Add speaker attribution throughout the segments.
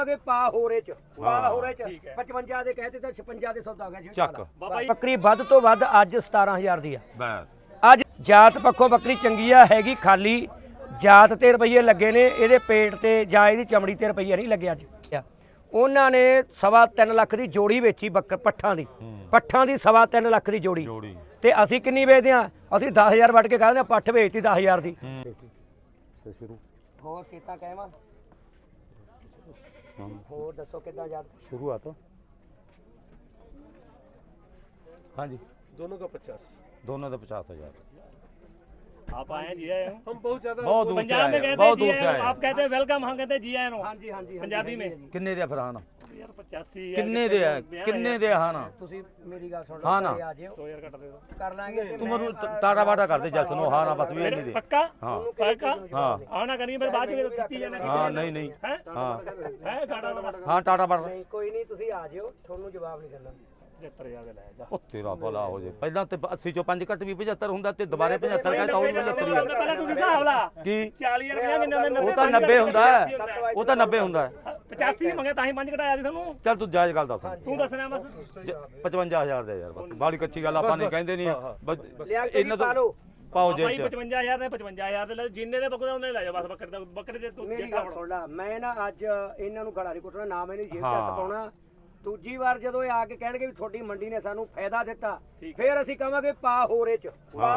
Speaker 1: ਪਾ ਹੋਰੇ ਚ 55 ਦੇ ਕਹਤੇ ਤਾਂ 56 ਦੇ ਸੌਦਾ ਹੋ ਗਿਆ
Speaker 2: ਚੱਕ
Speaker 1: ਬੱਕਰੀ ਵੱਧ ਤੋਂ ਵੱਧ ਅੱਜ 17000 ਦੀ ਆ
Speaker 2: ਬਸ।
Speaker 1: ਅੱਜ ਜਾਤ ਪੱਖੋਂ ਬੱਕਰੀ ਚੰਗੀ ਆ ਹੈਗੀ ਖਾਲੀ ਜਾਤ ਤੇ ਰੁਪਈਏ ਲੱਗੇ ਨੇ ਇਹਦੇ ਪੇਟ ਤੇ ਜਾਂ ਇਹਦੀ ਚਮੜੀ ਤੇ ਰੁਪਈਆ ਨਹੀਂ ਲੱਗਿਆ ਅੱਜ ਉਹਨਾਂ ਨੇ 3.25 ਲੱਖ ਦੀ ਜੋੜੀ ਵੇਚੀ ਪੱਠਾਂ ਦੀ 3.25 ਲੱਖ ਦੀ ਜੋੜੀ ਤੇ ਅਸੀਂ ਕਿੰਨੀ ਵੇਚਦੇ ਆ ਅਸੀਂ 10000 ਵੱਟ ਕੇ ਕਹਿੰਦੇ ਆ ਪੱਠ ਵੇਚਤੀ 10000 ਦੀ ਹੋਰ ਸੀਤਾ ਕਹਿਵਾ ਹੋਰ ਦੱਸੋ ਕਿੱਦਾਂ ਯਾਦ
Speaker 2: शुरुआत हाँ जी
Speaker 3: दोनों का 50
Speaker 2: दोनों का 50,000
Speaker 4: आप आए जी आए
Speaker 3: हम बहुत ज्यादा
Speaker 2: बहुत दूर से
Speaker 4: पंजाब में
Speaker 2: आए,
Speaker 4: कहते
Speaker 2: बहुत
Speaker 4: जी
Speaker 2: दूर से
Speaker 4: आए
Speaker 2: आए।
Speaker 4: आप कहते हैं वेलकम हम कहते हैं जी आए नो
Speaker 1: ਹਾਂਜੀ ਹਾਂਜੀ
Speaker 4: पंजाबी में
Speaker 2: किन्ने दे फरहान
Speaker 4: यार 85
Speaker 2: किन्ने दे है किन्ने दे हाँ ना
Speaker 1: ਤੁਸੀਂ ਮੇਰੀ ਗੱਲ ਸੁਣ
Speaker 2: हाँ
Speaker 1: ਲਓ
Speaker 2: ना
Speaker 1: ਆ ਜਿਓ
Speaker 4: 2000 कट दे दो
Speaker 1: ਕਰ ਲਾਂਗੇ ਤੇ
Speaker 2: तुम टाटा बाटा कर दे जैसे नो हाँ ना बस भी नहीं दे
Speaker 4: पक्का
Speaker 2: हाँ
Speaker 4: पक्का
Speaker 2: हाँ
Speaker 4: आना करिए मेरे बाद में कितनी जाना
Speaker 2: हाँ नहीं नहीं
Speaker 4: है
Speaker 2: हाँ
Speaker 4: है गाड़ा वाला
Speaker 2: हाँ टाटा बाटा
Speaker 1: ਨਹੀਂ ਕੋਈ ਨਹੀਂ ਤੁਸੀਂ ਆ ਜਿਓ ਤੁਹਾਨੂੰ ਜਵਾਬ ਨਹੀਂ ਕਰਨਾ
Speaker 4: 75000 ਦੇ ਲੈ ਜਾ
Speaker 2: ਉਹ ਤੇਰਾ ਭਲਾ ਹੋ ਜੇ ਪਹਿਲਾਂ ਤੇ 80 ਚੋਂ 5 ਘੱਟ ਵੀ 75 ਹੁੰਦਾ ਤੇ ਦੁਬਾਰੇ 75 ਕਹਿੰਦਾ ਉਹ 75 ਹੀ
Speaker 4: ਪਹਿਲਾਂ ਤੁਸੀਂ ਹਿਸਾਬ ਲਾ
Speaker 2: ਕੀ
Speaker 4: 40 ਰੁਪਏ ਕਿੰਨੇ ਦੇ
Speaker 2: ਉਹ ਤਾਂ 90 ਹੁੰਦਾ ਹੈ ਉਹ ਤਾਂ 90 ਹੁੰਦਾ ਹੈ
Speaker 4: 85 ਮੰਗੇ ਤਾਂ ਹੀ 5 ਘਟਾਇਆ ਸੀ ਤੁਹਾਨੂੰ
Speaker 2: ਚੱਲ ਤੂੰ ਜਾਇਜ਼ ਗੱਲ ਦੱਸ
Speaker 4: ਤੂੰ ਦੱਸਣਾ ਬਸ
Speaker 2: 55000 ਦੇ ਯਾਰ ਬਸ ਬਾਲੀ ਕੱਚੀ ਗੱਲ ਆਪਾਂ ਨਹੀਂ ਕਹਿੰਦੇ ਨਹੀਂ
Speaker 1: ਲਿਆ ਕੇ
Speaker 2: ਇਹਨਾਂ
Speaker 1: ਪਾ ਲਓ
Speaker 2: ਪਾਓ
Speaker 4: ਭਾਈ
Speaker 2: ਜੇਬ ਚ
Speaker 4: 55000 ਦੇ 55000 ਦੇ ਲੈ ਜਿੰਨੇ ਦੇ ਬੱਕਰੇ ਉਹਨੇ ਲੈ ਜਾ ਬਸ ਬੱਕਰੇ ਦੇ ਤੂੰ
Speaker 1: ਮੇਰੀ ਗੱਲ ਸੁਣ ਲੈ ਮੈਂ ਨਾ ਅੱਜ ਇਹਨਾਂ ਨੂੰ ਗਲਾ ਨਹੀਂ ਕੁੱਟਣਾ ਨਾ ਮੈਨੂੰ ਜੇਬ ਚ ਹੱਥ ਪਾਉਣਾ ਦੂਜੀ ਵਾਰ ਜਦੋਂ ਇਹ ਆ ਕੇ ਕਹਿਣਗੇ ਵੀ ਤੁਹਾਡੀ ਮੰਡੀ ਨੇ ਸਾਨੂੰ ਫਾਇਦਾ ਦਿੱਤਾ ਫਿਰ ਅਸੀਂ ਕਹਾਂਗੇ ਪਾ ਹੋਰੇ ਚ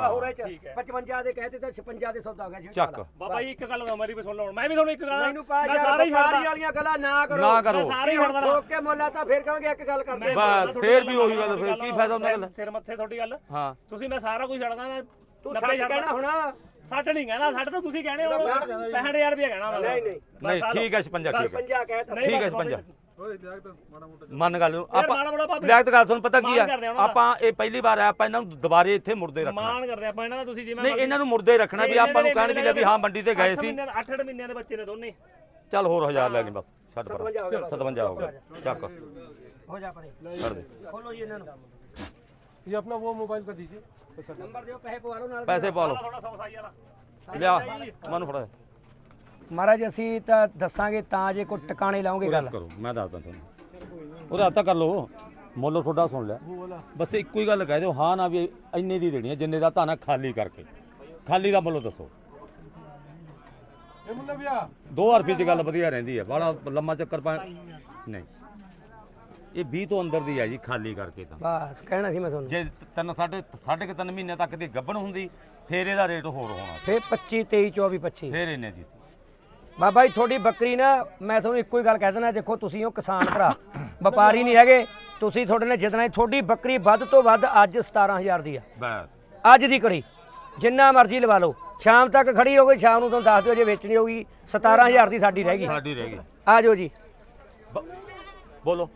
Speaker 1: 55 ਦੇ ਕਹਤੇ ਤਾਂ 56 ਦੇ ਸੌਦਾ ਹੋ ਗਿਆ
Speaker 2: ਚੱਕ
Speaker 4: ਬਾਬਾ ਜੀ ਇੱਕ ਗੱਲ ਦਾ ਮੇਰੀ ਵੀ ਸੁਣ ਲਓ ਮੈਂ ਵੀ ਤੁਹਾਨੂੰ ਇੱਕ ਗੱਲ
Speaker 1: ਮੈਨੂੰ ਪਾ
Speaker 4: ਮੈਂ
Speaker 1: ਯਾਰ
Speaker 4: ਸਾਰੇ ਹੀ
Speaker 1: ਵਪਾਰੀ ਵਾਲੀਆਂ ਗੱਲਾਂ ਨਾ ਕਰੋ
Speaker 2: ਨਾ ਕਰੋ
Speaker 4: ਸਾਰੇ ਹੀ ਛੱਡ
Speaker 1: ਠੋਕ ਕੇ ਮੁੱਲਾ ਤਾਂ ਫਿਰ ਕਹਾਂਗੇ ਇੱਕ ਗੱਲ ਕਰਦੇ
Speaker 2: ਬਸ ਫੇਰ ਵੀ ਉਹੀ ਗੱਲ ਫਿਰ ਕੀ ਫਾਇਦਾ ਉਹਨਾਂ ਗੱਲ
Speaker 4: ਸਿਰ ਮੱਥੇ ਤੁਹਾਡੀ ਗੱਲ
Speaker 2: ਹਾਂ
Speaker 4: ਤੁਸੀਂ ਮੈਂ ਸਾਰਾ ਕੁਝ ਛੱਡਦਾ ਮੈਂ
Speaker 1: ਤੂੰ ਸੱਚ ਕਹਿਣਾ ਹੋਣਾ
Speaker 4: 60 ਨਹੀਂ ਕਹਿਣਾ 60 ਤਾਂ ਤੁਸੀਂ ਕਹਿਣੇ ਹੋ 65000 ਰੁਪਏ ਕਹਿਣਾ ਮੈਂ
Speaker 1: ਨਹੀਂ ਨਹੀਂ
Speaker 2: ਨਹੀਂ ਠੀਕ ਹੈ 56 ਠੀਕ ਹੈ
Speaker 1: 50 ਕਹਿਤਾ
Speaker 2: ਠੀਕ ਹੈ 56 ਮੰਨ ਗੱਲ ਨੂੰ
Speaker 4: ਮਾੜਾ ਮੋਟਾ
Speaker 2: ਆਪਾਂ
Speaker 4: ਭਾਵੇਂ
Speaker 2: ਲਿਆਕਤ ਗੱਲ ਸੁਣ ਪਤਾ ਕੀ
Speaker 4: ਮਾਣ ਕਰਦੇ
Speaker 2: ਆ
Speaker 4: ਉਹਨਾਂ ਦਾ।
Speaker 2: ਆਪਾਂ ਇਹ ਪਹਿਲੀ ਵਾਰ ਆਇਆ ਆਪਾਂ ਇਹਨਾਂ ਨੂੰ ਦੁਬਾਰੇ ਇੱਥੇ ਮੁਰਦੇ ਰੱਖਣਾ
Speaker 4: ਮਾਣ ਕਰਦੇ ਆਪਾਂ ਇਹਨਾਂ ਦਾ ਤੁਸੀਂ ਜਿਵੇਂ
Speaker 2: ਨਹੀਂ ਇਹਨਾਂ ਨੂੰ ਮੁਰਦੇ ਰੱਖਣਾ ਵੀ ਆਪਾਂ ਨੂੰ ਕਹਿਣ ਵੀ ਵੀ ਹਾਂ ਮੰਡੀ ਤੇ ਗਏ ਸੀ
Speaker 4: 8 ਮਹੀਨਿਆਂ ਦੇ ਬੱਚੇ ਨੇ ਦੋਨੇ
Speaker 2: ਚੱਲ ਹੋਰ 1000 ਲੈ ਲਈ ਬਸ ਛੱਡ ਪਰ 57 ਹੋ ਗਿਆ ਚੱਕ
Speaker 1: ਹੋ ਜਾ ਪਰੇ
Speaker 2: ਛੱਡ ਦੇ
Speaker 1: ਖੋਲੋ ਜੀ ਇਹਨਾਂ ਨੂੰ
Speaker 3: ये अपना वो मोबाइल का दीजिए
Speaker 1: ਨੰਬਰ ਦਿਓ ਪੈਸੇ ਪਵਾ ਲਓ ਨਾਲ
Speaker 2: ਪੈਸੇ ਪਾ ਲਓ
Speaker 4: ਥੋੜਾ ਸੌਸਾਈ ਵਾਲਾ
Speaker 2: ਲਿਆ ਮਨ ਫੜਾ
Speaker 1: ਮਹਾਰਾਜ ਅਸੀਂ ਤਾਂ ਦੱਸਾਂਗੇ ਤਾਂ ਜੇ ਕੋਈ ਟਿਕਾਣੇ ਲਾਉਂਗੇ ਗੱਲ
Speaker 2: ਕਰੋ ਮੈਂ ਦੱਸਦਾ ਤੁਹਾਨੂੰ ਉਹਦਾ ਹੱਥ ਕਰ ਲਓ ਮੁੱਲ ਤੁਹਾਡਾ ਸੁਣ ਲਿਆ ਬਸ ਇੱਕੋ ਹੀ ਗੱਲ ਕਹਿ ਦਿਓ ਹਾਂ ਨਾ ਵੀ ਇੰਨੇ ਦੀ ਦੇਣੀ ਹੈ ਜਿੰਨੇ ਦਾ ਧਾਨਾ ਖਾਲੀ ਕਰਕੇ ਖਾਲੀ ਦਾ ਮੁੱਲ ਦੱਸੋ
Speaker 3: ये मुन्ना भैया
Speaker 2: 2000 ਰੁਪਏ ਦੀ ਗੱਲ ਵਧੀਆ ਰਹਿੰਦੀ ਹੈ ਬੜਾ ਲੰਮਾ ਚੱਕਰ ਪਾ ਨਹੀਂ ਇਹ 20 ਤੋਂ ਅੰਦਰ ਦੀ ਹੈ ਜੀ ਖਾਲੀ ਕਰਕੇ ਤਾਂ
Speaker 1: ਬਸ ਕਹਿਣਾ ਸੀ ਮੈਂ ਤੁਹਾਨੂੰ
Speaker 2: ਜੇ 3.5 ਮਹੀਨੇ ਤੱਕ ਦੀ ਗੱਭਣ ਹੁੰਦੀ ਫੇਰ ਇਹਦਾ ਰੇਟ ਹੋਰ ਹੋਣਾ
Speaker 1: ਫੇਰ 25 23 24 25
Speaker 2: ਫੇਰ ਇੰਨੇ ਦੀ ਸੀ
Speaker 1: ਬਾਬਾ ਜੀ ਤੁਹਾਡੀ ਬੱਕਰੀ ਨਾ ਮੈਂ ਤੁਹਾਨੂੰ ਇੱਕੋ ਹੀ ਗੱਲ ਕਹਿ ਦੇਣਾ ਦੇਖੋ ਤੁਸੀਂ ਉਹ ਕਿਸਾਨ ਭਰਾ ਵਪਾਰੀ ਨਹੀਂ ਹੈਗੇ ਤੁਸੀਂ ਤੁਹਾਡੇ ਨੇ ਜਿੱਦਣਾ ਤੁਹਾਡੀ ਬੱਕਰੀ ਵੱਧ ਤੋਂ ਵੱਧ ਅੱਜ 17000 ਦੀ ਆ
Speaker 2: ਬਸ
Speaker 1: ਅੱਜ ਦੀ ਕੜੀ ਜਿੰਨਾ ਮਰਜ਼ੀ ਲਵਾ ਲਓ ਸ਼ਾਮ ਤੱਕ ਖੜੀ ਹੋ ਗਈ ਸ਼ਾਮ ਨੂੰ ਤੁਹਾਨੂੰ ਦੱਸ ਦਿਓ ਜੇ ਵੇਚਣੀ ਹੋਊਗੀ 17000 ਦੀ ਸਾਡੀ ਰਹਿ ਗਈ
Speaker 2: ਸਾਡੀ ਰਹਿ ਗਈ
Speaker 1: ਆ ਜਾਓ ਜੀ
Speaker 2: ਬੋਲੋ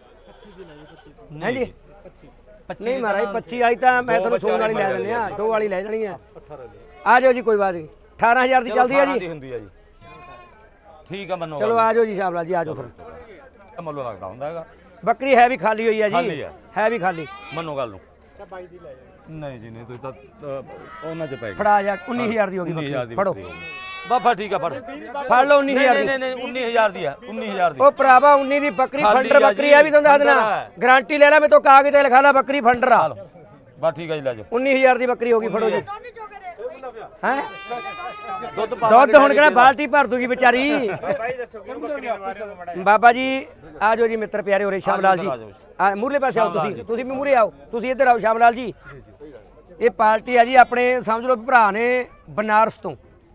Speaker 1: ਹਾਂਜੀ ਨਹੀਂ ਮਹਾਰਾਜ 25 ਆਈ ਤਾਂ ਮੈਂ ਤੁਹਾਨੂੰ ਸੋਨ ਵਾਲੀ ਲੈ ਦਿੰਦੇ ਆ 2 ਵਾਲੀ ਲੈ ਜਾਣੀ ਆ ਆ ਜਾਓ ਜੀ ਕੋਈ ਬਾਤ ਨਹੀਂ 18000 ਦੀ ਚੱਲਦੀ ਆ ਜੀ
Speaker 2: ਹੁੰਦੀ ਆ ਜੀ ਠੀਕ ਆ ਮੰਨੋ
Speaker 1: ਚਲੋ ਆ ਜਾਓ ਜੀ ਸ਼ਾਮਲਾ ਜੀ ਆ ਜਾਓ ਫਿਰ
Speaker 2: ਮੁੱਲ ਲੱਗਦਾ ਹੁੰਦਾ ਹੈਗਾ
Speaker 1: ਬੱਕਰੀ ਹੈ ਵੀ ਖਾਲੀ ਹੋਈ ਆ
Speaker 2: ਖਾਲੀ
Speaker 1: ਜੀ
Speaker 2: ਆ।
Speaker 1: ਹੈ ਵੀ ਖਾਲੀ
Speaker 2: ਮੰਨੋ ਗੱਲ ਨੂੰ ਨਹੀਂ ਜੀ ਨਹੀਂ ਤੁਸੀਂ ਤਾਂ ਉਹਨਾਂ ਚ ਪੈ ਗਏ
Speaker 1: ਫੜਾ ਜਾ 19000 ਦੀ ਹੋ ਗਈ
Speaker 2: 19000 ਦੀ
Speaker 1: ਬੱਕਰੀ ਫੜੋ
Speaker 2: ਬਾਬਾ ਠੀਕ ਆ ਫੜ
Speaker 1: ਫੜ ਲਓ 19000 ਦੀ
Speaker 2: ਨਹੀਂ 19000 ਦੀ ਆ 19000 ਦੀ
Speaker 1: ਉਹ ਭਰਾਵਾ 19 ਦੀ ਬੱਕਰੀ
Speaker 2: ਖਾਲੀ
Speaker 1: ਫੰਡਰ
Speaker 2: ਆ
Speaker 1: ਬੱਕਰੀ
Speaker 2: ਜੀ,
Speaker 1: ਆ ਵੀ ਤੁਹਾਨੂੰ ਦੱਸ ਦੇਣਾ
Speaker 2: ਫੰਡਰ ਆ।
Speaker 1: ਗਾਰੰਟੀ ਲੈ ਲੈ ਮੈਂ ਤੋਂ ਕਾਗਜ਼ ਤੇ ਲਿਖਾ ਲਾ ਬੱਕਰੀ ਫੰਡਰ ਆ
Speaker 2: ਬਸ ਠੀਕ ਆ ਜੀ ਲੈ ਜਾਓ
Speaker 1: 19000 ਦੀ ਬੱਕਰੀ ਹੋ ਗਈ ਫੜੋ ਜੀ ਹੈ
Speaker 2: ਦੁੱਧ
Speaker 1: ਦੁੱਧ ਹੁਣ ਕਿਹੜਾ ਬਾਲਟੀ ਭਰ ਦੂਗੀ ਵਿਚਾਰੀ
Speaker 4: ਭਾਈ ਦੱਸੋ ਕਿ ਬੱਕਰੀ ਦੇ ਬਾਰੇ ਵਿੱਚ ਮੜਾ
Speaker 1: ਬਾਬਾ ਜੀ ਆ ਜਾਓ ਜੀ ਮਿੱਤਰ ਪਿਆਰੇ ਹੋਰੇ ਸ਼ਾਮ ਲਾਲ ਜੀ ਆ ਮੂਰਲੇ ਪਾਸੇ ਆਓ ਤੁਸੀਂ ਵੀ ਮੂਰੇ ਆਓ ਤੁਸੀਂ ਇੱਧਰ ਆਓ ਸ਼ਾਮ ਲਾਲ ਜੀ ਇਹ ਪਾਰਟੀ ਆ ਜੀ ਆਪਣੇ ਸਮਝ ਲਓ ਭਰਾ ਨੇ ਬਨਾਰਸ ਤੋਂ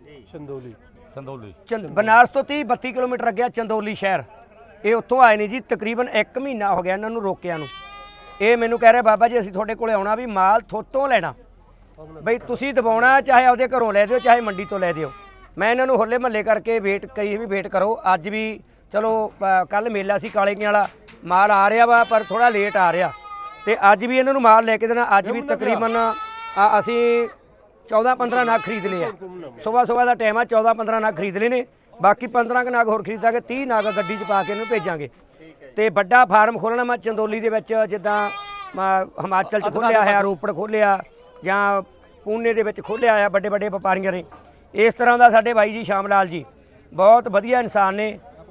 Speaker 3: चंदौली
Speaker 1: ਬਨਾਰਸ ਤੋਂ 30-32 ਕਿਲੋਮੀਟਰ ਅੱਗੇ ਚੰਦੋਲੀ ਸ਼ਹਿਰ ਇਹ ਉੱਥੋਂ ਆਏ ਨੇ ਜੀ ਤਕਰੀਬਨ 1 ਮਹੀਨਾ ਹੋ ਗਿਆ ਇਹਨਾਂ ਨੂੰ ਰੋਕਿਆਂ ਨੂੰ ਇਹ ਮੈਨੂੰ ਕਹਿ ਰਿਹਾ ਬਾਬਾ ਜੀ ਅਸੀਂ ਤੁਹਾਡੇ ਕੋਲੇ ਆਉਣਾ ਵੀ ਮਾਲ ਥੋਤੋਂ ਲੈਣਾ ਬਈ ਤੁਸੀਂ ਦਬਾਉਣਾ ਚਾਹੇ ਆਪਦੇ ਘਰੋਂ ਲੈ ਦਿਓ ਚਾਹੇ ਮੰਡੀ ਤੋਂ ਲੈ ਦਿਓ ਮੈਂ ਇਹਨਾਂ ਨੂੰ ਹੋਲੇ ਮਹੱਲੇ ਕਰਕੇ ਵੇਟ ਕਹੀ ਵੀ ਵੇਟ ਕਰੋ ਅੱਜ ਵੀ ਚਲੋ ਕੱਲ ਮੇਲਾ ਸੀ ਕਾਲੇ ਕੀ ਵਾਲਾ ਮਾਲ ਆ ਰਿਹਾ ਵਾ ਪਰ ਥੋੜਾ ਲੇਟ ਆ ਰਿਹਾ ਤੇ ਅੱਜ ਵੀ ਇਹਨਾਂ ਨੂੰ ਮਾਲ ਲੈ ਕੇ ਦੇਣਾ ਅੱਜ ਵੀ ਤਕਰੀਬਨ ਅਸੀਂ 14-15 ਨਾਗ ਖਰੀਦ ਲਏ ਆ ਸਵੇਰ ਦਾ ਟਾਈਮ ਆ 14-15 ਨਾਗ ਖਰੀਦ ਲਏ ਨੇ ਬਾਕੀ 15 ਨਾਗ ਹੋਰ ਖਰੀਦਾਂਗੇ 30 ਨਾਗ ਗੱਡੀ 'ਚ ਪਾ ਕੇ ਇਹਨੂੰ ਭੇਜਾਂਗੇ ਤੇ ਵੱਡਾ ਫਾਰਮ ਖੋਲਣਾ ਮੈਂ ਚੰਦੋਲੀ ਦੇ ਵਿੱਚ ਜਿੱਦਾਂ ਹਿਮਾਚਲ 'ਚ ਖੋਲ੍ਹਿਆ ਹੈ ਰੋਪੜ ਖੋਲ੍ਹਿਆ ਜਾਂ ਪੂਨੇ ਦੇ ਵਿੱਚ ਖੋਲ੍ਹਿਆ ਆ ਵੱਡੇ ਵੱਡੇ ਵਪਾਰੀਆਂ ਨੇ ਇਸ ਤਰ੍ਹਾਂ ਦਾ ਸਾਡੇ ਬਾਈ ਜੀ ਸ਼ਾਮ ਲਾਲ ਜੀ ਬਹੁਤ ਵਧੀਆ ਇਨਸਾਨ ਨੇ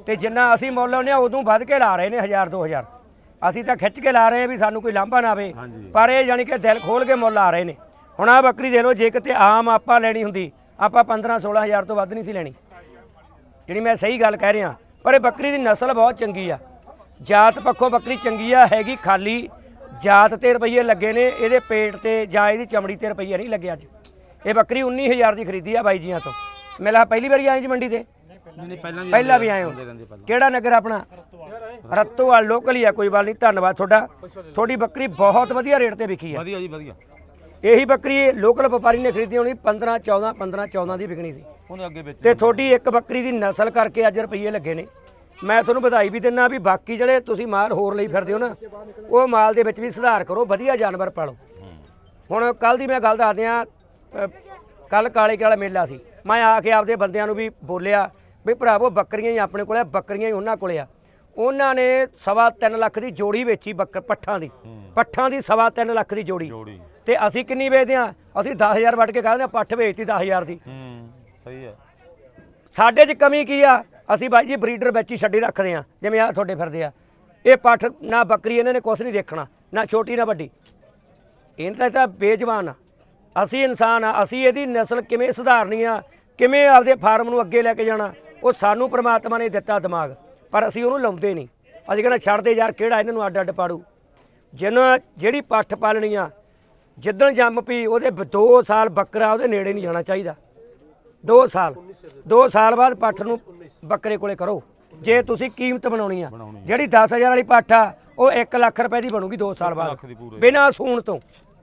Speaker 1: ਤੇ ਜਿੰਨਾ ਅਸੀਂ ਮੁੱਲ ਲਾਉਂਦੇ ਆ ਉਦੋਂ ਵੱਧ ਕੇ ਲਾ ਰਹੇ ਨੇ 1000 2000। ਅਸੀਂ ਤਾਂ ਖਿੱਚ ਕੇ ਲਾ ਰਹੇ ਆ ਵੀ ਸਾਨੂੰ ਕੋਈ ਲਾਂਭਾ ਨਾ ਆਵੇ, ਪਰ ਇਹ ਜਾਣੀ ਕਿ ਦਿਲ ਖੋਲ ਕੇ ਮੁੱਲ ਲਾ ਰਹੇ ਨੇ। ਹੁਣ ਆ ਬੱਕਰੀ ਦੇ ਲਓ, ਜੇ ਕਿਤੇ ਆਮ ਆਪਾਂ ਲੈਣੀ ਹੁੰਦੀ ਆਪਾਂ 15 16 ਹਜ਼ਾਰ ਤੋਂ ਵੱਧ ਨਹੀਂ ਸੀ ਲੈਣੀ, ਜਿਹੜੀ ਮੈਂ ਸਹੀ ਗੱਲ ਕਹਿ ਰਿਹਾ। ਪਰ ਇਹ ਬੱਕਰੀ ਦੀ ਨਸਲ ਬਹੁਤ ਚੰਗੀ ਆ, ਜਾਤ ਪੱਖੋਂ ਬੱਕਰੀ ਚੰਗੀ ਆ, ਹੈਗੀ ਖਾਲੀ ਜਾਤ ਤੇ ਰੁਪਈਏ ਲੱਗੇ ਨੇ, ਇਹਦੇ ਪੇਟ ਤੇ ਜਾਂ ਇਹਦੀ ਚਮੜੀ ਤੇ ਰੁਪਈਆ ਨਹੀਂ ਲੱਗੇ। ਅੱਜ ਇਹ ਬੱਕਰੀ 19,000 ਦੀ ਖਰੀਦੀ ਆ ਬਾਈ ਜੀਆਂ ਤੋਂ। ਮੇਲਾ ਪਹਿਲੀ ਵਾਰੀ ਆਏ ਜੀ ਮੰਡੀ ਤੇ? ਪਹਿਲਾਂ ਵੀ ਆਏ ਹੋ। ਕਿਹੜਾ ਨਗਰ ਆਪਣਾ? ਰਤੋਵਾਲ ਲੋਕਲ ਹੀ ਆ, ਕੋਈ ਗੱਲ ਨਹੀਂ। ਧੰਨਵਾਦ ਤੁਹਾਡਾ, ਤੁਹਾਡੀ ਬੱਕਰੀ ਬਹੁਤ ਵਧੀਆ ਰੇਟ ਤੇ ਵਿਕੀ ਆ।
Speaker 2: ਵਧੀਆ ਜੀ ਵਧੀਆ।
Speaker 1: ਇਹੀ ਬੱਕਰੀ ਲੋਕਲ ਵਪਾਰੀ ਨੇ ਖਰੀਦੀ ਹੋਣੀ 15 14 ਦੀ ਵਿਕਣੀ ਸੀ,
Speaker 2: ਉਹਨੇ ਅੱਗੇ ਵੇਚ
Speaker 1: ਤੇ ਤੁਹਾਡੀ ਇੱਕ ਬੱਕਰੀ ਦੀ ਨਸਲ ਕਰਕੇ ਅੱਜ ਰੁਪਈਏ ਲੱਗੇ ਨੇ। ਮੈਂ ਤੁਹਾਨੂੰ ਵਧਾਈ ਵੀ ਦਿੰਦਾ ਵੀ ਬਾਕੀ ਜਿਹੜੇ ਤੁਸੀਂ ਮਾਲ ਹੋਰ ਲਈ ਫਿਰਦੇ ਹੋ ਨਾ, ਉਹ ਮਾਲ ਦੇ ਵਿੱਚ ਵੀ ਸੁਧਾਰ ਕਰੋ, ਵਧੀਆ ਜਾਨਵਰ ਪਾਲੋ। ਹੁਣ ਕੱਲ ਦੀ ਮੈਂ ਗੱਲ ਦੱਸਦੇ ਆ, ਕੱਲ ਕਾਲੇ ਵਾਲਾ ਮੇਲਾ ਸੀ, ਮੈਂ ਆ ਕੇ ਆਪਦੇ ਬੰਦਿਆਂ ਨੂੰ ਵੀ ਬੋਲਿਆ ਵੀ ਭਰਾਵੋ ਬੱਕਰੀਆਂ ਹੀ ਆਪਣੇ ਕੋਲ ਆ, ਬੱਕਰੀਆਂ ਹੀ ਉਹਨਾਂ ਕੋਲੇ ਆ। ਉਹਨਾਂ ਨੇ 3.25 ਲੱਖ ਦੀ ਜੋੜੀ ਵੇਚੀ ਪੱਠਾਂ ਦੀ 3.25 ਲੱਖ ਦੀ ਜੋੜੀ। ਤੇ ਅਸੀਂ ਕਿੰਨੀ ਵੇਚਦੇ ਆ? ਅਸੀਂ 10,000 ਵੱਢ ਕੇ ਕਹਿੰਦੇ ਆ ਪੱਠ ਵੇਚਤੀ 10,000 ਦੀ।
Speaker 2: ਸਹੀ ਹੈ। ਸਾਡੇ 'ਚ
Speaker 1: ਕਮੀ ਕੀ ਆ? ਅਸੀਂ ਬਾਈ ਜੀ ਬਰੀਡਰ ਵਿੱਚ ਹੀ ਛੱਡੀ ਰੱਖਦੇ ਆ, ਜਿਵੇਂ ਆ ਤੁਹਾਡੇ ਫਿਰਦੇ ਆ। ਇਹ ਪੱਠ ਨਾ ਬੱਕਰੀ ਇਹਨਾਂ ਨੇ ਕੁਛ ਨਹੀਂ ਦੇਖਣਾ, ਨਾ ਛੋਟੀ ਨਾ ਵੱਡੀ, ਇਹਨਾਂ ਤਾਂ ਬੇਜਵਾਨ ਆ। ਅਸੀਂ ਇਨਸਾਨ ਆ, ਅਸੀਂ ਇਹਦੀ ਨਸਲ ਕਿਵੇਂ ਸੁਧਾਰਨੀ ਆ, ਕਿਵੇਂ ਆਪਦੇ ਫਾਰਮ ਨੂੰ ਅੱਗੇ ਲੈ ਕੇ ਜਾਣਾ, ਉਹ ਸਾਨੂੰ ਪ੍ਰਮਾਤਮਾ ਨੇ ਦਿੱਤਾ ਦਿਮਾਗ, ਪਰ ਅਸੀਂ ਉਹਨੂੰ ਲਾਉਂਦੇ ਨਹੀਂ। ਅਸੀਂ ਕਹਿੰਦੇ ਛੱਡ ਦੇ ਯਾਰ, ਕਿਹੜਾ ਇਹਨਾਂ ਨੂੰ ਅੱਡ ਅੱਡ ਪਾੜੂ। ਜਿਹਨਾਂ ਜਿਹੜੀ ਪੱਠ ਪਾਲਣੀ ਆ, ਜਿੱਦਣ ਜੰਮ ਪਈ ਉਹਦੇ 2 ਸਾਲ ਬੱਕਰਾ ਉਹਦੇ ਨੇੜੇ ਨਹੀਂ ਜਾਣਾ ਚਾਹੀਦਾ। 2 ਸਾਲ ਬਾਅਦ ਪੱਠ ਨੂੰ ਬੱਕਰੇ ਕੋਲੇ ਕਰੋ, ਜੇ ਤੁਸੀਂ ਕੀਮਤ ਬਣਾਉਣੀ ਆ। ਜਿਹੜੀ 10,000 ਵਾਲੀ ਪੱਠ ਆ ਉਹ 1 ਲੱਖ ਰੁਪਏ ਦੀ ਬਣੂਗੀ 2 ਸਾਲ ਬਾਅਦ, ਬਿਨਾਂ ਸੂਣ ਤੋਂ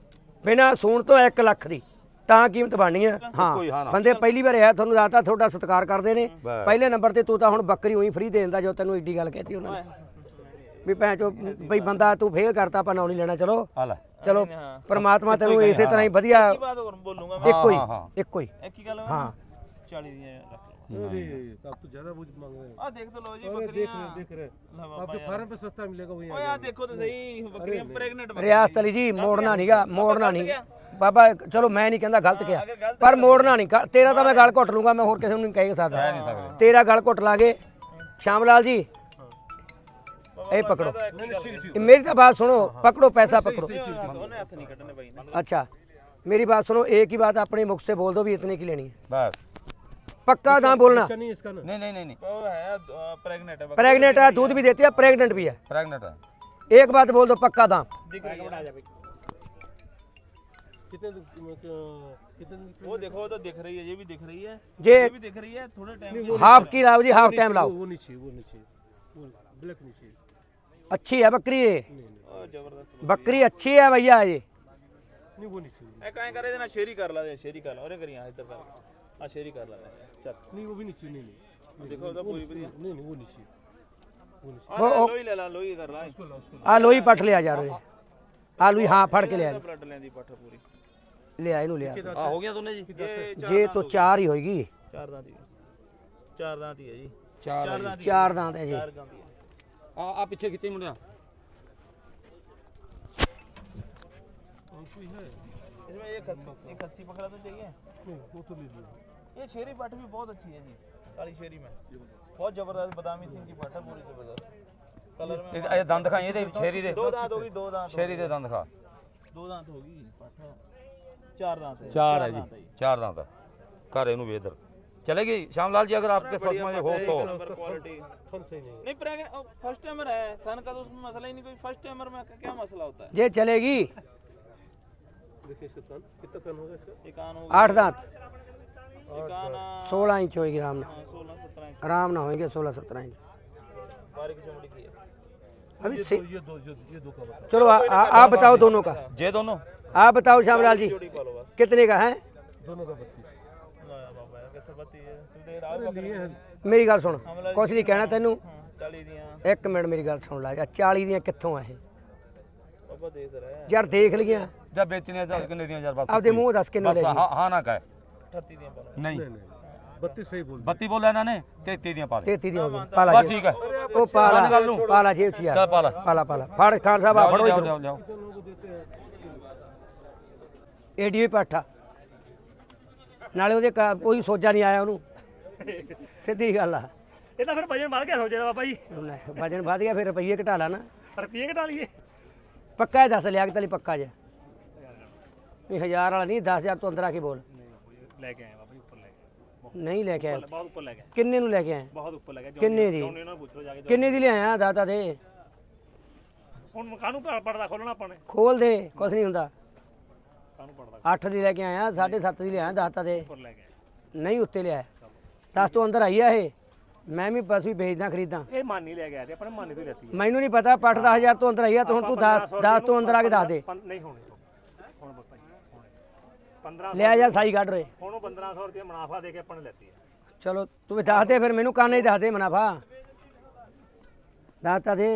Speaker 1: 1 ਲੱਖ ਦੀ ਤਾਂ ਕੀਮਤ ਬਣਨੀ ਆ। ਹਾਂ, ਬੰਦੇ ਪਹਿਲੀ ਵਾਰ ਆਇਆ, ਤੁਹਾਨੂੰ ਦੱਸਤਾ ਤੁਹਾਡਾ ਸਤਿਕਾਰ ਕਰਦੇ ਨੇ। ਪਹਿਲੇ ਨੰਬਰ ਤੇ ਤੂੰ ਤਾਂ ਹੁਣ ਬੱਕਰੀ ਉਹੀ ਫਰੀ ਦੇ ਦਿੰਦਾ ਜੋ ਤੈਨੂੰ ਏਡੀ ਗੱਲ ਕਹਿਤੀ ਉਹਨਾਂ ਨੇ ਵੀ ਭੈਣ ਚੋ ਬਈ ਬੰਦਾ ਤੂੰ ਫੇਲ ਕਰਤਾ, ਆਪਾਂ ਨਾਂ ਨਹੀਂ ਲੈਣਾ। ਚਲੋ ਪਰਮਾਤਮਾ ਤੈਨੂੰ ਇਸੇ ਤਰ੍ਹਾਂ ਹੀ ਵਧੀਆ ਇੱਕੋ ਹੀ ਹਾਂ
Speaker 4: 40 ਦੀਆਂ
Speaker 3: आप तो ज्यादा कुछ मांग रहे हैं।
Speaker 4: ਆ ਦੇਖ ਤਾਂ ਲਓ ਜੀ ਬੱਕਰੀਆਂ
Speaker 3: देख रहे आपके फार्म पे सस्ता मिलेगा वही।
Speaker 4: ਓਏ ਆ ਦੇਖੋ ਤਾਂ ਸਹੀ ਬੱਕਰੀਆਂ ਪ੍ਰੈਗਨੈਂਟ
Speaker 1: ਰਿਆਸਤ ਅਲੀ ਜੀ, ਮੋੜਨਾ ਨਹੀਂਗਾ, ਮੋੜਨਾ ਨਹੀਂ ਬਾਬਾ। ਚਲੋ ਮੈਂ ਨਹੀਂ ਕਹਿੰਦਾ ਗਲਤ ਕਿਹਾ, ਪਰ ਮੋੜਨਾ ਨਹੀਂ। ਤੇਰਾ ਤਾਂ ਮੈਂ ਗਲ ਘੁੱਟ ਲੂੰਗਾ, ਮੈਂ ਹੋਰ ਕਿਸੇ ਨੂੰ ਨਹੀਂ ਕਹਿ ਸਕਦਾ। ਤੇਰਾ ਗਲ ਘੁੱਟ ਲਾਂਗੇ। ਸ਼ਾਮ ਲਾਲ ਜੀ ਇਹ ਪਕੜੋ, मेरी तो बात सुनो, पकड़ो पैसा पकड़ो। अच्छा मेरी बात सुनो, एक ही बात अपने मुख से बोल दो भी इतने की लेनी है,
Speaker 2: बस
Speaker 1: पक्का दाम बोलना।
Speaker 3: नहीं इसका ना।
Speaker 2: नहीं
Speaker 4: वो है प्रेग्नेंट है,
Speaker 1: प्रेग्नेंट है, दूध भी देती है, प्रेग्नेंट भी है।
Speaker 2: प्रेग्नेंट है।
Speaker 1: एक बात बोल दो, पक्का दाम।
Speaker 3: कितने
Speaker 4: वो देखो तो दिख रही है, ये भी दिख रही है,
Speaker 1: ये
Speaker 4: भी दिख रही है। थोड़े टाइम
Speaker 1: हाफ की लाओ जी, हाफ टाइम लाओ।
Speaker 3: वो नीचे वो ब्लैक नीचे
Speaker 1: अच्छी है बकरी, ये
Speaker 4: जबरदस्त
Speaker 1: बकरी अच्छी है भैया। ये
Speaker 3: नहीं वो नीचे
Speaker 4: ए काहे करे ना, शेरी कर ला दे, शेरी कर ला और करिया इधर कर आ, शेरी कर ला चल।
Speaker 3: नहीं वो भी नीचे नहीं
Speaker 4: देखो तो पूरी बढ़िया
Speaker 3: नहीं वो नीचे
Speaker 4: लोई ले ला, लोई कर ला
Speaker 1: आ लोई पट ले आ जा रहे आ लोई, हाँ फड़ के ले आ
Speaker 4: ब्लड लेंदी पठ पूरी
Speaker 1: ले आ इनू ले आ।
Speaker 2: हो गया तूने जी?
Speaker 1: ये तो 4 ही होगी,
Speaker 4: 4 दांत ही, 4 दांत ही है जी,
Speaker 2: 4
Speaker 4: दांत ही,
Speaker 1: 4 दांत है जी।
Speaker 4: 4 दांत ही है।
Speaker 2: आ पीछे खींचे मुंडिया।
Speaker 4: इसमें एक खस्सी पकड़ा तो चाहिए।
Speaker 3: वो तो ले लिया।
Speaker 4: ये शेरी पठ भी बहुत अच्छी है जी, काली शेरी में बहुत जबरदस्त बादामी सिंह की पठ है, पूरी जबरदस्त कलर में।
Speaker 2: ਇਹ ਦੰਦ ਦਿਖਾਈ ਇਹਦੇ ਸ਼ੇਰੀ ਦੇ,
Speaker 4: 2 दांत होगी, 2 दांत
Speaker 2: ਸ਼ੇਰੀ ਦੇ ਦੰਦ ਦਿਖਾ।
Speaker 4: 2 दांत होगी पठ, 4 दांत है।
Speaker 2: 4 है जी, 4 दांत है। कर इनू भी इधर चलेगी श्यामलाल जी, अगर आपके साथ में हो तो।
Speaker 4: नंबर क्वालिटी
Speaker 3: फन सही नहीं
Speaker 4: नहीं, प्रेग्नेंट फर्स्ट टाइमर है, थन का तो उसमें मसला ही नहीं कोई। फर्स्ट टाइमर में क्या मसला होता है?
Speaker 1: ये चलेगी।
Speaker 3: देखिए इसका कान कितना कान होगा इसका?
Speaker 4: एक कान हो
Speaker 1: 8 दांत,
Speaker 4: एक कान
Speaker 1: 16 इंच होगी आराम ना,
Speaker 4: 16-17 इंच
Speaker 1: आराम ना होंगे 16-17 इंच।
Speaker 4: बारीक चमड़ी की है।
Speaker 1: अभी
Speaker 3: ये
Speaker 1: से
Speaker 3: दो का बता।
Speaker 1: चलो आप बताओ दोनों का,
Speaker 2: जे दोनों
Speaker 1: आप बताओ श्यामलाल जी
Speaker 4: जोड़ी पालो बस।
Speaker 1: कितने का है?
Speaker 3: दोनों का 32।
Speaker 4: ना बाबा कैसे बत्ती है तू दे रहा है
Speaker 3: लिए हैं
Speaker 1: मेरी गल सुन, कुछ नहीं कहना तेनू,
Speaker 4: 40 दियां
Speaker 1: 1 मिनट मेरी गल सुन ला। 40 ਦੀਆਂ ਕਿੱਥੋਂ ਆ ਇਹ
Speaker 4: बाबा दे रहा है।
Speaker 1: ਯਾਰ ਦੇਖ ਲਈਆਂ,
Speaker 2: जब बेचने तो कितने दिया यार? बस
Speaker 1: ਆਪਦੇ ਮੂੰਹ ਦੱਸ ਕਿੰਨੇ ਲੈ
Speaker 2: बस
Speaker 1: ਲਈ।
Speaker 2: हाँ ना कहे
Speaker 4: 38 दियां पालो।
Speaker 2: नहीं,
Speaker 3: 32 सही बोल।
Speaker 2: 32 बोला इन्होंने, 33 दिया पा ले।
Speaker 1: 33 ਦੀ ਹੋ ਗਈ, ਪਾਲਾ
Speaker 2: बस
Speaker 1: ਜੀ
Speaker 2: ठीक है,
Speaker 1: ਉਹ ਪਾਲਾ ਜੇਬ ਚ ਯਾਰ,
Speaker 2: चल पाला
Speaker 1: ਪਾਲਾ ਫੜ ਖਾਨ ਸਾਹਿਬ ਆ ਫੜੋ
Speaker 2: जाओ
Speaker 1: ਇਧਰ।
Speaker 2: जाओ जाओ।
Speaker 1: ਏਡੀ ਵੀ ਪਾਠਾ ਨਾਲੇ ਉਹਦੇ ਕੋਈ ਸੋਜਾ ਨਹੀਂ ਆਇਆ ਉਹਨੂੰ, ਸਿੱਧੀ ਗੱਲ ਆ।
Speaker 5: ਇਹ ਤਾਂ ਫਿਰ ਵਜਨ ਵੱਧ ਗਿਆ ਸੋਚਦਾ ਬਾਬਾ ਜੀ
Speaker 1: ਲੈ, ਵਜਨ ਵੱਧ ਗਿਆ ਫਿਰ ਰੁਪਈਏ ਘਟਾ ਲਾ ਨਾ
Speaker 5: ਰੁਪਈਏ ਘਟਾ ਲਈਏ
Speaker 1: ਪੱਕਾ ਹੀ ਦੱਸ ਲਿਆ ਕਿ ਤਲੀ ਪੱਕਾ ਜੇ ਨਹੀਂ 1000 ਵਾਲਾ ਨਹੀਂ 10000 ਤੋਂ ਅੰਦਰ ਆ ਕੇ ਬੋਲ
Speaker 5: ਲੈ ਕੇ ਆਏ ਬਾਬਾ ਜੀ ਉੱਪਰ ਲੈ ਕੇ
Speaker 1: ਨਹੀਂ ਲੈ ਕੇ ਆਇਆ
Speaker 5: ਬਹੁਤ ਉੱਪਰ ਲੈ ਕੇ
Speaker 1: ਕਿੰਨੇ ਨੂੰ ਲੈ ਕੇ ਆਇਆ
Speaker 5: ਬਹੁਤ ਉੱਪਰ ਲੈ ਕੇ
Speaker 1: ਕਿੰਨੇ ਦੀ
Speaker 5: ਉਹਨਾਂ ਨੂੰ ਪੁੱਛ ਲਓ ਜਾ ਕੇ
Speaker 1: ਕਿੰਨੇ ਦੀ ਲਿਆਇਆ ਦਾਤਾ ਦੇ
Speaker 5: ਹੁਣ ਕਾਹਨੂੰ ਪੜਦਾ ਖੋਲਣਾ ਆਪਾਂ ਨੇ
Speaker 1: ਖੋਲ ਦੇ ਕੁਛ ਨਹੀਂ ਹੁੰਦਾ
Speaker 5: ਕਾਹਨੂੰ ਪੜਦਾ
Speaker 1: 8 ਦੀ ਲੈ ਕੇ ਆਇਆ 7.5 ਦੀ ਲਿਆਇਆ ਦਾਤਾ ਦੇ
Speaker 5: ਉੱਪਰ ਲੈ ਕੇ ਆਏ।
Speaker 1: ਨਹੀਂ ਉੱਤੇ ਲਿਆਇਆ 10 ਤੋਂ ਅੰਦਰ ਆਈ ਆ ਇਹ ਮੈਂ ਵੀ ਪਸ਼ੂ ਹੀ ਵੇਚਦਾ ਖਰੀਦਾਂ
Speaker 5: ਇਹ ਮਾਨੀ ਲੈ ਕੇ ਆਏ ਤੇ ਆਪਣੇ ਮਾਨੀ ਤੋਂ ਹੀ ਲੈਤੀ
Speaker 1: ਮੈਨੂੰ ਨਹੀਂ ਪਤਾ ਪੱਠ 10000 ਤੋਂ ਅੰਦਰ ਆਈ ਆ ਤੂੰ 10 ਤੋਂ ਅੰਦਰ ਆ ਕੇ ਦੱਸ ਦੇ
Speaker 5: ਨਹੀਂ ਹੋਣੀ ਹੁਣ ਬਾਬਾ ਜੀ 15
Speaker 1: ਲਿਆ ਜਾ ਸਾਈ ਕੱਢ ਰੇ
Speaker 5: ਹੁਣ ਉਹ 1500 ਰੁਪਏ ਮੁਨਾਫਾ ਦੇ ਕੇ ਆਪਾਂ ਨੇ ਲੈਤੀ ਹੈ
Speaker 1: ਚਲੋ ਤੂੰ ਵੀ ਦੱਸ ਦੇ ਫਿਰ ਮੈਨੂੰ ਕਾਨੇ ਹੀ ਦੱਸ ਦੇ ਮੁਨਾਫਾ ਦਾਤਾ ਦੇ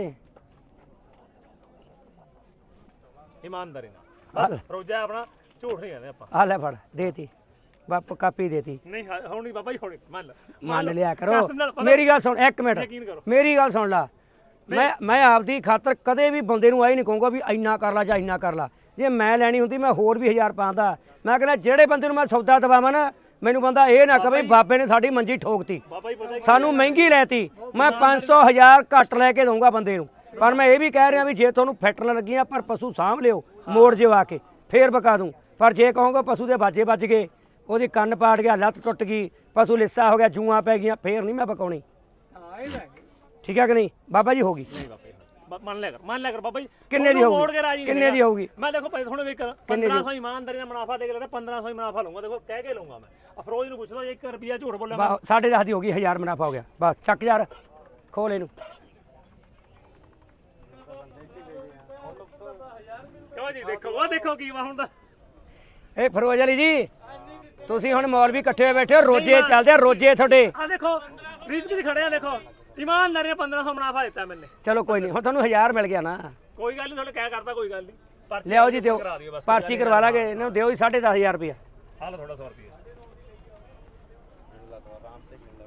Speaker 5: ਇਮਾਨਦਾਰੀ ਨਾਲ ਬਸ ਰੋਜ਼ਾ ਆਪਣਾ ਝੂਠ ਨਹੀਂ ਕਹਿੰਦੇ ਆਪਾਂ
Speaker 1: ਆ ਲੈ ਫੜ ਦੇਤੀ ਬਾਪ ਕਾਪੀ ਦੇਤੀ
Speaker 5: ਨਹੀਂ ਹੁਣ ਨਹੀਂ ਬਾਬਾ ਜੀ ਹੁਣ ਮੰਨ ਲੈ
Speaker 1: ਮੰਨ ਲਿਆ ਕਰੋ
Speaker 5: ਕਸਮ ਨਾਲ ਪਤਾ-
Speaker 1: ਮੇਰੀ ਗੱਲ ਸੁਣ ਇੱਕ ਮਿੰਟ
Speaker 5: ਯਕੀਨ ਕਰੋ
Speaker 1: ਮੇਰੀ ਗੱਲ ਸੁਣ ਲਾ ਮੈਂ ਆਪਦੀ ਖਾਤਰ ਕਦੇ ਵੀ ਬੰਦੇ ਨੂੰ ਆਈ ਨਹੀਂ ਕਹੂੰਗਾ ਵੀ ਇੰਨਾ ਕਰ ਲਾ ਜਾਂ ਇੰਨਾ ਕਰ ਲਾ ਜੇ ਮੈਂ ਲੈਣੀ ਹੁੰਦੀ ਮੈਂ ਹੋਰ ਵੀ 1000 ਪਾਉਂਦਾ ਮੈਂ ਕਹਿੰਦਾ ਜਿਹੜੇ ਬੰਦੇ ਨੂੰ ਮੈਂ ਸੌਦਾ ਦਵਾਵਾਂ ਨਾ ਮੈਨੂੰ ਬੰਦਾ ਇਹ ਨਾ ਕਵੇ ਬਾਬੇ ਨੇ ਸਾਡੀ ਮੰਜੀ ਠੋਕਤੀ
Speaker 5: ਬਾਬਾ ਜੀ ਪਤਾ
Speaker 1: ਸਾਨੂੰ ਮਹਿੰਗੀ ਲੈਤੀ ਮੈਂ 500 1000 ਘੱਟ ਲੈ ਕੇ ਦਊਂਗਾ ਬੰਦੇ ਨੂੰ ਪਰ ਮੈਂ ਇਹ ਵੀ ਕਹਿ ਰਿਹਾ ਵੀ ਜੇ ਤੁਹਾਨੂੰ ਫੈਟਣ ਲੱਗੀਆਂ ਪਰ ਪਸ਼ੂ ਸਾਂਭ ਲਿਓ ਮੋੜ ਜਿਓ ਆ ਕੇ ਫੇਰ ਬਕਾ ਦੂੰ ਪਰ ਜੇ ਕਹੋਗੇ ਪਸ਼ੂ ਦੇ ਬਾਜੇ ਵੱਜ ਗਏ ਉਹਦੀ ਕੰਨ ਪਾੜ ਗਿਆ ਲੱਤ ਟੁੱਟ ਗਈ ਪਸ਼ੂ ਲਿੱਸਾ ਹੋ ਗਿਆ ਜੂਆਂ ਪੈ ਗਈਆਂ ਫੇਰ ਨਹੀਂ ਮੈਂ ਬਕਾਉਣੀ ਠੀਕ ਹੈ ਕਿ ਨਹੀਂ ਬਾਬਾ ਜੀ ਹੋਗੀ
Speaker 5: ਨਹੀਂ ਬਾਬਾ ਜੀ ਮੰਨ ਲਿਆ ਕਰ ਬਾਬਾ ਜੀ
Speaker 1: ਕਿੰਨੇ ਦੀ
Speaker 5: ਉਹਨੂੰ ਮੋੜ ਕੇ
Speaker 1: ਹੋਊਗੀ
Speaker 5: ਰਾਜੀ
Speaker 1: ਕਿੰਨੇ ਦੀ ਹੋਊਗੀ
Speaker 5: ਮੈਂ ਦੇਖੋ ਭਾਈ ਥੋੜੇ ਵੇਖ 1500 ਇਮਾਨਦਾਰੀ ਨਾਲ ਮੁਨਾਫਾ ਦੇ ਕੇ ਲੈਣਾ 1500 ਹੀ ਮੁਨਾਫਾ ਲਊਂਗਾ ਦੇਖੋ ਕਹਿ ਕੇ ਲਊਂਗਾ ਮੈਂ ਅਫਰੋਜ਼ ਨੂੰ ਪੁੱਛਦਾ 1 ਰੁਪਿਆ ਝੂਠ ਬੋਲਿਆ ਮੈਂ
Speaker 1: 10.5 ਦੀ ਹੋ ਗਈ 1000 ਮੁਨਾਫਾ ਹੋ ਗਿਆ ਬਸ ਚੱਕ ਯਾਰ ਖੋਲ ਇਹਨੂੰ
Speaker 5: ਕਿਉਂ ਜੀ ਦੇਖੋ ਉਹ ਦੇਖੋ ਕੀ ਵਾ ਹੁੰਦਾ
Speaker 1: ਇਹ ਫਰੋਜ਼ ਅਲੀ ਜੀ ਤੁਸੀਂ ਹੁਣ ਮੌਲਵੀ ਇਕੱਠੇ ਹੋਏ ਬੈਠੇ ਹੋ ਰੋਜੇ ਚੱਲਦੇ ਆ ਰੋਜੇ ਤੁਹਾਡੇ
Speaker 5: ਆ ਦੇਖੋ ਰਿਸਕ 'ਚ ਖੜੇ ਆ ਦੇਖੋ ਇਮਾਨਦਾਰੀ ਨਾਲ 1500 ਮੁਨਾਫਾ ਦਿੱਤਾ ਮੈਨੇ
Speaker 1: ਚਲੋ ਕੋਈ ਨਹੀਂ ਹੁਣ ਤੁਹਾਨੂੰ 1000 ਮਿਲ ਗਿਆ ਨਾ
Speaker 5: ਕੋਈ ਗੱਲ ਨਹੀਂ ਤੁਹਾਨੂੰ ਕਹਿ ਕਰਦਾ ਕੋਈ ਗੱਲ ਨਹੀਂ ਪਰਚੀ
Speaker 1: ਲਿਆਓ ਜੀ ਦਿਓ
Speaker 5: ਕਰਾ ਦਿਓ ਬਸ
Speaker 1: ਪਰਚੀ ਕਰਵਾ ਲਾਂਗੇ ਇਹਨੂੰ ਦਿਓ ਜੀ 10500 ਰੁਪਇਆ
Speaker 5: ਹਾਲ ਥੋੜਾ 100 ਰੁਪਏ